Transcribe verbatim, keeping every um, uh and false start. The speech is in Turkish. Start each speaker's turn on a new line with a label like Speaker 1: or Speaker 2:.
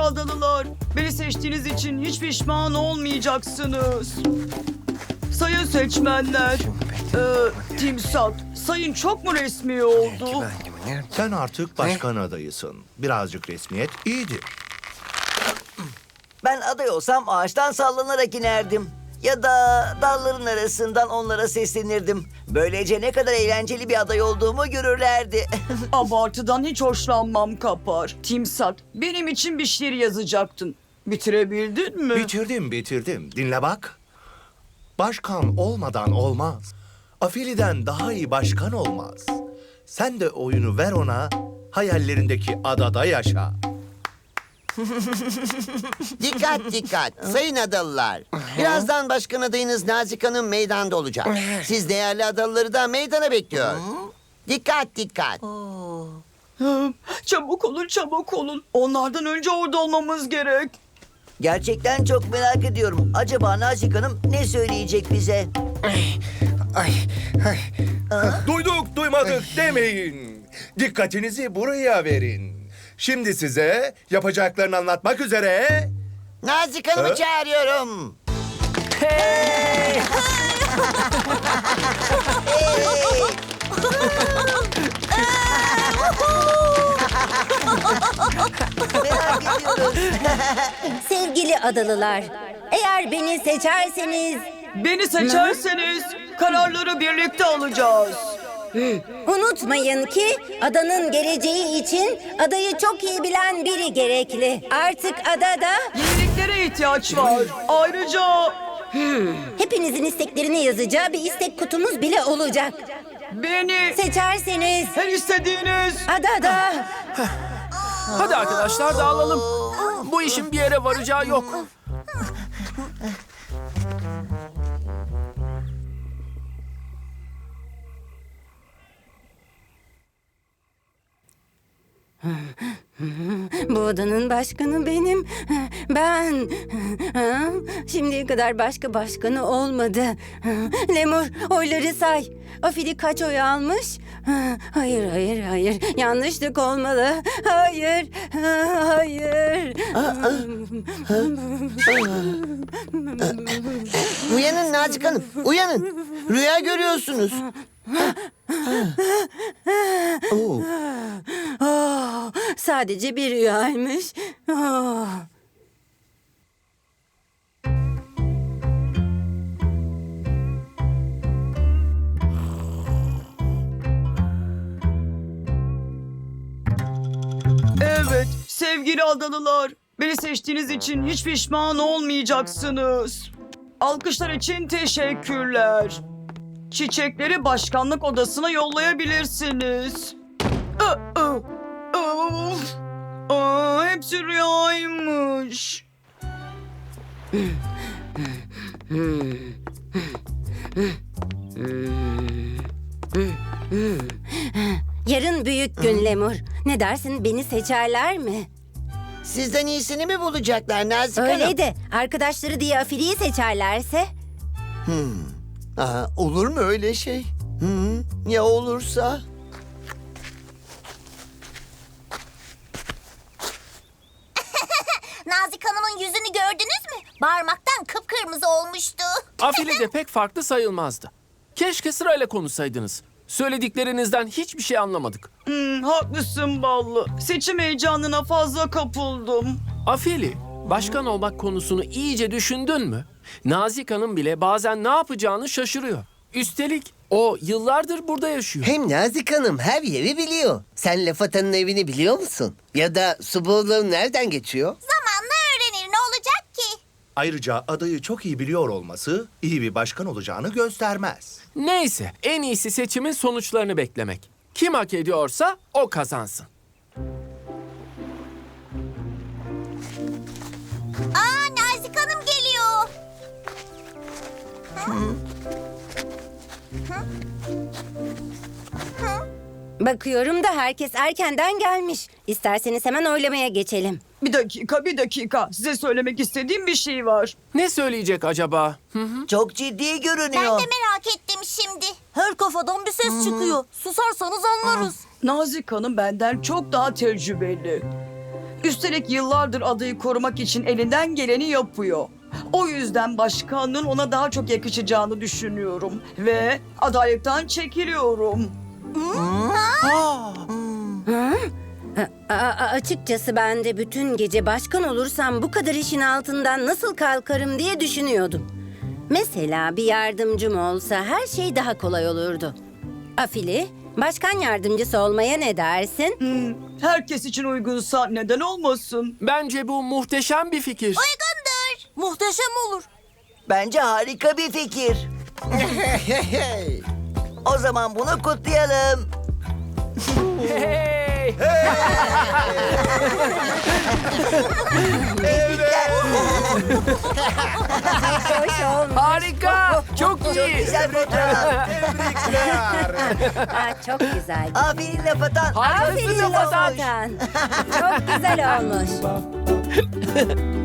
Speaker 1: adalılar, beni seçtiğiniz için hiç pişman olmayacaksınız. Sayın seçmenler, e, Timsat, sayın çok mu resmi oldu?
Speaker 2: Sen artık başkan adayısın. Birazcık resmiyet iyidir.
Speaker 3: Ben aday olsam ağaçtan sallanarak inerdim. Ya da dalların arasından onlara seslenirdim. Böylece ne kadar eğlenceli bir aday olduğumu görürlerdi.
Speaker 1: Abartıdan hiç hoşlanmam Kapar. Timsat, benim için bir şiir yazacaktın. Bitirebildin mi?
Speaker 2: Bitirdim, bitirdim. Dinle bak. Başkan olmadan olmaz. Afili'den daha iyi başkan olmaz. Sen de oyunu ver ona, hayallerindeki adada yaşa.
Speaker 4: Dikkat dikkat sayın adalılar. Birazdan başkan adayınız Nazik Hanım meydanda olacak. Siz değerli adalıları da meydana bekliyor. Dikkat dikkat.
Speaker 1: Hı, Çabuk olun, çabuk olun. Onlardan önce orada olmamız gerek.
Speaker 3: Gerçekten çok merak ediyorum. Acaba Nazik Hanım ne söyleyecek bize?
Speaker 2: Duyduk, duymadık demeyin. Dikkatinizi buraya verin. Şimdi size yapacaklarını anlatmak üzere...
Speaker 4: Nazik Hanım'ı
Speaker 2: Ha?
Speaker 4: çağırıyorum.
Speaker 3: Merak ediyoruz.
Speaker 5: Sevgili adalılar, eğer beni seçerseniz
Speaker 1: Beni seçerseniz kararları birlikte alacağız.
Speaker 5: unutmayın ki adanın geleceği için adayı çok iyi bilen biri gerekli. Artık adada
Speaker 1: Yeniliklere ihtiyaç var. Ayrıca
Speaker 5: hepinizin isteklerini yazacağı bir istek kutumuz bile olacak.
Speaker 1: beni
Speaker 5: Seçerseniz
Speaker 1: her istediğiniz...
Speaker 5: adada
Speaker 6: Hadi arkadaşlar dağılalım. Bu işin bir yere varacağı yok.
Speaker 5: bu adanın başkanı benim. Ben. Şimdiye kadar başka başkanı olmadı. Lemur oyları say. Afili kaç oy almış? Hayır, hayır, hayır. Yanlışlık olmalı. Hayır, hayır.
Speaker 4: Uyanın Nazik Hanım, uyanın. Rüya görüyorsunuz. Oo.
Speaker 5: Oh, sadece bir rüyaymış. Oh.
Speaker 1: Evet, sevgili adalılar, beni seçtiğiniz için hiç pişman olmayacaksınız. Alkışlar için teşekkürler. Çiçekleri başkanlık odasına yollayabilirsiniz. Aa, aa, of. Aa, hepsi rüyaymış.
Speaker 5: Yarın büyük gün Lemur. Ne dersin, beni seçerler mi?
Speaker 4: Sizden iyisini mi bulacaklar Nazik Hanım?
Speaker 5: Öyle de arkadaşları diye Afili'yi seçerlerse?
Speaker 4: Aa, olur mu öyle şey? Hı, ya olursa?
Speaker 7: Nazik Hanım'ın yüzünü gördünüz mü? Bağırmaktan kıpkırmızı olmuştu.
Speaker 6: Afili de pek farklı sayılmazdı. Keşke sırayla konuşsaydınız. Söylediklerinizden hiçbir şey anlamadık.
Speaker 1: Hmm, haklısın Ballı. Seçim heyecanına fazla kapıldım.
Speaker 6: Afili, başkan olmak konusunu iyice düşündün mü? Nazik Hanım bile bazen ne yapacağını şaşırıyor. Üstelik o yıllardır burada yaşıyor.
Speaker 8: Hem Nazik Hanım her yeri biliyor. Sen Laf Atan'ın evini biliyor musun? Ya da Suboğlu'nun nereden geçiyor?
Speaker 7: Zamanla öğrenir, ne olacak ki?
Speaker 2: Ayrıca adayı çok iyi biliyor olması iyi bir başkan olacağını göstermez.
Speaker 6: Neyse, en iyisi seçimin sonuçlarını beklemek. Kim hak ediyorsa o kazansın.
Speaker 7: Aa, Nazik Hanım geliyor.
Speaker 5: Bakıyorum da herkes erkenden gelmiş. İsterseniz hemen oylamaya geçelim.
Speaker 1: Bir dakika, bir dakika. Size söylemek istediğim bir şey var.
Speaker 6: Ne söyleyecek acaba?
Speaker 3: Çok ciddi
Speaker 7: Ben
Speaker 3: görünüyor.
Speaker 7: de merak ettim şimdi. Her kafadan bir ses çıkıyor. Susarsanız anlarız.
Speaker 1: Nazik Hanım benden çok daha tecrübeli. Üstelik yıllardır adayı korumak için elinden geleni yapıyor. O yüzden başkanlığın ona daha çok yakışacağını düşünüyorum. Ve adaylıktan çekiliyorum.
Speaker 5: A- a- açıkçası ben de bütün gece başkan olursam bu kadar işin altından nasıl kalkarım diye düşünüyordum. Mesela bir yardımcım olsa her şey daha kolay olurdu. Afili, başkan yardımcısı olmaya ne dersin?
Speaker 1: Hmm, herkes için uygunsa neden olmasın?
Speaker 6: Bence bu muhteşem bir fikir.
Speaker 7: Uygundur. Muhteşem olur.
Speaker 3: Bence harika bir fikir. O zaman bunu kutlayalım.
Speaker 6: Hey!
Speaker 5: Hoş olmuş.
Speaker 6: Harika! Çok iyi.
Speaker 3: Güzel fotoğraf.
Speaker 5: Aa, çok güzel.
Speaker 3: Aferin Lafatan.
Speaker 6: Harikasın
Speaker 5: Aferin
Speaker 6: Lafatan.
Speaker 5: Lafatan. Çok güzel olmuş.